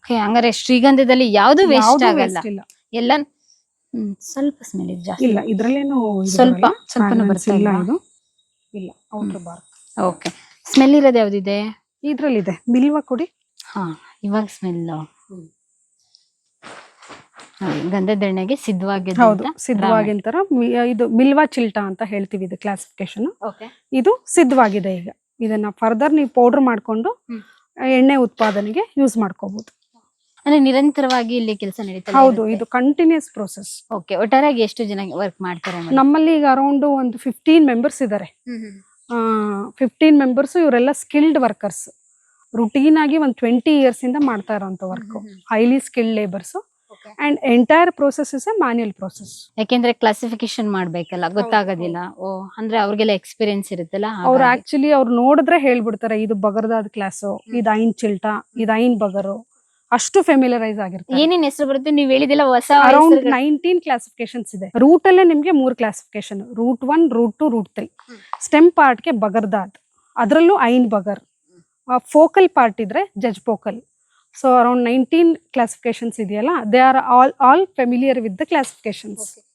Okay, ಹಂಗಾರೆ ಶ್ರೀಗಂಧದಲ್ಲಿ ಯಾವ್ದು waste ಯಾವ್ದು ಆಗಲ್ಲ, waste ಇಲ್ಲ. ಎಲ್ಲ ಸ್ವಲ್ಪ ಸ್ಮೆಲ್ ಇದೆ ಜಾಸ್ತಿ. ಇಲ್ಲ ಇದ್ರಲ್ಲೇನು ಸ್ವಲ್ಪ ಸ್ವಲ್ಪನೂ ಬರ್ತಾ ಇಲ್ಲ ಇಲ್ವಾ? ಇದು ಇಲ್ಲ ಔಟರ್ ಬಾರ್. ಓಕೆ, ಸ್ಮೆಲ್ ಇರೋದು ಯಾವ್ದಿದೆ? ಇದ್ರಲ್ಲಿದೆ ಬಿಲ್ವ ಕೊಡಿ. ಹಾ, ಇವಾಗ ಸ್ಮೆಲ್ ಗಂಧದೆಣ್ಣೆಗೆ ಸಿದ್ಧವಾಗಿದೆ. ಹೌದು, ಸಿದ್ಧವಾಗಿ ಅಂತಾರ. ಇದು ಬಿಲ್ವ ಚಿಲ್ಟ ಅಂತ ಹೇಳ್ತೀವಿ ಇದು ಕ್ಲಾಸಿಫಿಕೇಶನ್. ಓಕೆ, ಇದು ಸಿದ್ಧವಾಗಿದೆ. ಈಗ ಇದನ್ನ ಫರ್ದರ್ ನೀವು ಪೌಡರ್ ಮಾಡ್ಕೊಂಡು ಎಣ್ಣೆ ಉತ್ಪಾದನೆಗೆ ಯೂಸ್ ಮಾಡ್ಕೋಬಹುದು. ಅಂದ್ರೆ ನಿರಂತರವಾಗಿ ಇಲ್ಲಿ ಕೆಲಸ ನಡೀತಾ ಹೌದು, ಇದು ಕಂಟಿನ್ಯೂಸ್ ಪ್ರೋಸೆಸ್. ಓಕೆ, ಒಟ್ಟಾರೆಯಾಗಿ ಎಷ್ಟು ಜನ ವರ್ಕ್ ಮಾಡ್ತಾರೆ? ನಮ್ಮಲ್ಲಿ ಈಗ ಅರೌಂಡ್ ಒಂದು 15 ಮೆಂಬರ್ಸ್ ಇದ್ದಾರೆ. 15 ಮೆಂಬರ್ಸ್, ಇವರೆಲ್ಲ ಸ್ಕಿಲ್ಡ್ ವರ್ಕರ್ಸ್. ರುಟೀನ್ ಆಗಿ ಒಂದು 20 ಇಯರ್ಸ್ ಇಂದ ಮಾಡ್ತಾ ಇರೋಂಥ work. Highly skilled labours and entire process is a manual process. ಯಾಕೆಂದ್ರೆ ಕ್ಲಾಸಿಫಿಕೇಶನ್ ಮಾಡ್ಬೇಕಲ್ಲ, ಗೊತ್ತಾಗೋದಿಲ್ಲ. ಓ, ಅಂದ್ರೆ ಅವ್ರಿಗೆಲ್ಲ ಎಕ್ಸ್ಪೀರಿಯನ್ಸ್ ಇರುತ್ತಲ್ಲ. ಅವ್ರು ಆಕ್ಚುಲಿ ಅವ್ರು ನೋಡಿದ್ರೆ ಹೇಳ್ಬಿಡ್ತಾರೆ, ಇದು ಬಗರ್ದಾದ ಕ್ಲಾಸು, ಇದು ಐನ್ ಚಿಲ್ಟ, ಇದು ಐನ್ ಬಗರು. ಅಷ್ಟು ಫೆಮಿಲರೈಸ್ ಆಗಿರ್ತಾರೆ. ಏನೇನ್ ಹೆಸರು ಬರುತ್ತೆ ನೀವು ಹೇಳಿದಿಲ್ಲ? ಹೊಸ ಅರೌಂಡ್ 19 ಕ್ಲಾಸಿಫಿಕೇಶನ್ಸ್ ಇದೆ. ರೂಟ್ ಅಲ್ಲೇ ನಿಮ್ಗೆ 3 classification, route 1, route 2, route 3. Stem part ಗೆ ಬಗರ್ದಾದ್, ಅದರಲ್ಲೂ ಐನ್ ಬಗರ್. ಫೋಕಲ್ ಪಾರ್ಟ್ ಇದ್ರೆ ಜಜ್ ಪೋಕಲ್. ಸೊ ಅರೌಂಡ್ 19 ಕ್ಲಾಸಿಫಿಕೇಶನ್ಸ್ ಇದೆಯಲ್ಲ, they are all familiar with the classifications.